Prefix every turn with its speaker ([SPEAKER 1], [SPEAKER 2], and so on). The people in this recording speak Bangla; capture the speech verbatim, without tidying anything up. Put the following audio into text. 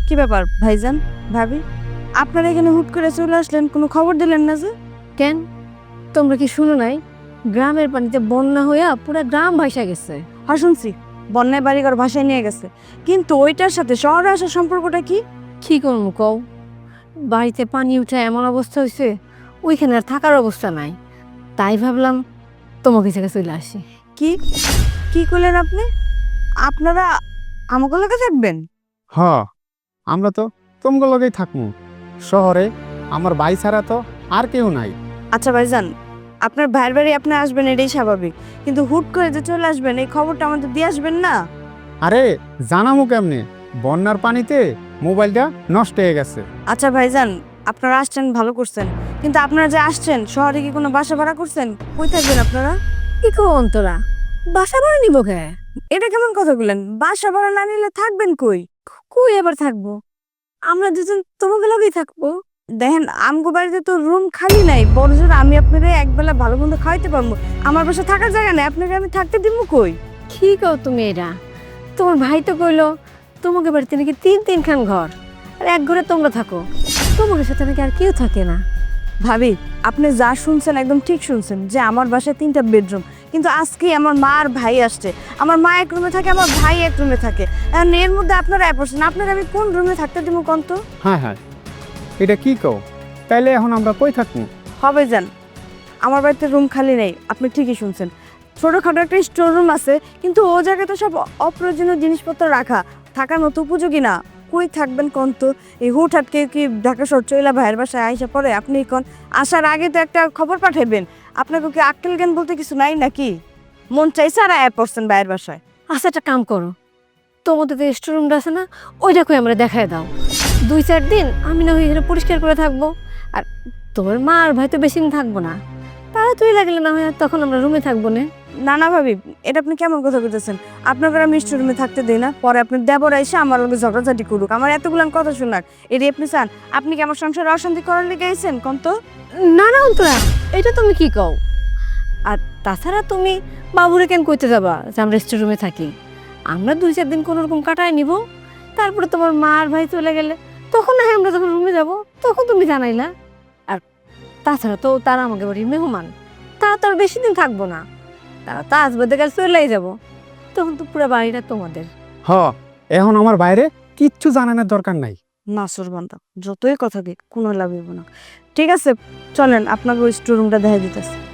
[SPEAKER 1] কি ব্যাপার ভাইজান ভাবি, আপনারা এখানে হুট করে চলে আসলেন, কোনো খবর দিলেন না যে?
[SPEAKER 2] কেন তোমরা কি শুনো নাই? গ্রামের পানিতে বন্যা হইয়া পুরা গ্রাম ভাইসা গেছে।
[SPEAKER 1] হ্যাঁ শুনছি, বন্যায় বাড়িঘর ভাসায় নিয়ে গেছে, কিন্তু ওইটার সাথে শহরে আসার সম্পর্কটা কি?
[SPEAKER 2] কি করবো কও, বাড়িতে পানি উঠে এমন অবস্থা হয়েছে ওইখানে আর থাকার অবস্থা নাই। তাই ভাবলাম তোমাকে থেকে চলে আসি।
[SPEAKER 1] কি কি করলেন আপনি? আপনারা আমাকে লোকে থাকবেন?
[SPEAKER 3] হ, আমরা তো তোমগো লগেই থাকমু। শহরে আমার ভাই ছাড়া তো আর কেউ নাই।
[SPEAKER 1] আচ্ছা ভাইজান, আপনার ভাইয়ের বাড়ি আপনি আসবেন এটাই স্বাভাবিক, কিন্তু হুট করে যে চলে আসবেন এই খবরটা আমাদের দিয়ে আসবেন না?
[SPEAKER 3] আরে জানামু কেমনে, বন্যার পানিতে মোবাইলটা নষ্ট হয়ে গেছে।
[SPEAKER 1] আচ্ছা ভাইজান, আপনারা আসছেন ভালো করছেন, কিন্তু আপনারা যে আসছেন শহরে কি কোনো বাসা ভাড়া করছেন? কই থাকবেন আপনারা?
[SPEAKER 2] কি কো অন্তরা, বাসা ভাড়া নিব কে?
[SPEAKER 1] এটা কেমন কথা বললেন? বাসা ভাড়া না নিলে থাকবেন কই?
[SPEAKER 2] কই এবার থাকবো? আমরা দুজন তোমাকে লগেই থাকবো।
[SPEAKER 1] দেখেন আমগো বাড়িতে তো রুম খালি নাই, বড়জোর আমি আপনাদের একবেলা ভালো মন্দ খাওয়াইতে পারবো, আমার বাসা থাকার জায়গা নেই, আপনাকে আমি থাকতে দিব কই?
[SPEAKER 2] কি কও তুমি এটা? তোমার ভাই তো কইলো তোমাকে বাড়িতে নাকি তিন তিন খান ঘর, আর এক ঘরে তোমরা থাকো, তোমাদের সাথে নাকি আর কেউ থাকে না।
[SPEAKER 1] ভাবি, আপনি যা শুনছেন একদম ঠিক শুনছেন যে আমার বাসায় তিনটা বেডরুম, কিন্তু আজকে আমার মা আর ভাই আসছে, আমার মা এক রুমে থাকে, আমার ভাই এক রুমে থাকে, এখন এর মধ্যে আপনারা এক পড়ছেন, আপনারা আমি কোন রুমে থাকতে দিব কোন তো?
[SPEAKER 3] হ্যাঁ হ্যাঁ, এটা কি কও? তাইলে এখন আমরা কই থাকমু?
[SPEAKER 1] হবে যান, আমার বাড়িতে রুম খালি নেই, আপনি ঠিকই শুনছেন, ছোটোখাটো একটা স্টোর রুম আছে, কিন্তু ও জায়গায় তো সব অপ্রয়োজনীয় জিনিসপত্র রাখা, থাকার মতো উপযোগী না। কই থাকবেন কোন তো? এই হুটহাট কেউ কি ঢাকা শহর চইলা ভাইয়ের বাসায় আইসা পরে? আপনি কোন আসার আগে তো একটা খবর পাঠাইবেন, আপনাকে কি আক্কেল জ্ঞান বলতে কিছু নাই নাকি? মন চাইছে আর আয়া পড়ছেন ভাইয়ের বাসায়।
[SPEAKER 2] আচ্ছা একটা কাম করো, তোমাদের যে স্টোররুমটা আছে না, ওইটা কই আমরা দেখায় দাও। দুই চার দিন আমি না ওইখানে পরিষ্কার করে থাকবো, আর তোমার মা আর ভাই তো বেশি দিন থাকবো না, তারা তুই লাগলে না হয় তখন আমরা রুমে থাকবো না।
[SPEAKER 1] না না ভাবি, এটা আপনি কেমন কথা বলতেছেন? আপনাকে আমি স্টোর রুমে থাকতে দিই না, পরে আপনার দেবর এসে আমার লগে ঝগড়াঝাটি করুক, আমার এতগুলান কথা শোনাক, এটি আপনি চান? আপনি কি আমার সংসারে অশান্তি করার লেগে আইছেন কোন তো?
[SPEAKER 2] না না অন্তরা, এটা তুমি কি কও? আর তাছাড়া তুমি বাবুরে কেন কইতে যাবা যে আমরা স্টোর রুমে থাকি? আমরা দুই চার দিন কোনো রকম কাটায় নিব, তারপরে তোমার মা আর ভাই চলে গেলে তখন না হয় আমরা যখন রুমে যাব তখন তুমি জানাইলা। আর তাছাড়া তো তারা আমাকে বাড়ির মেহমান, তারা তো আর বেশি দিন থাকবো না, তারা তো আসবে দেখে চলেই যাব, তখন তো পুরো বাড়িটা তোমাদের।
[SPEAKER 3] হ, এখন আমার বাইরে কিচ্ছু জানানোর দরকার নাই।
[SPEAKER 1] নাসুর বান্দা, যতই কথা দিক কোনো লাভ হইব না। ঠিক আছে, চলেন আপনাকে ওই স্টোর রুমটা দেখা দিতেছে।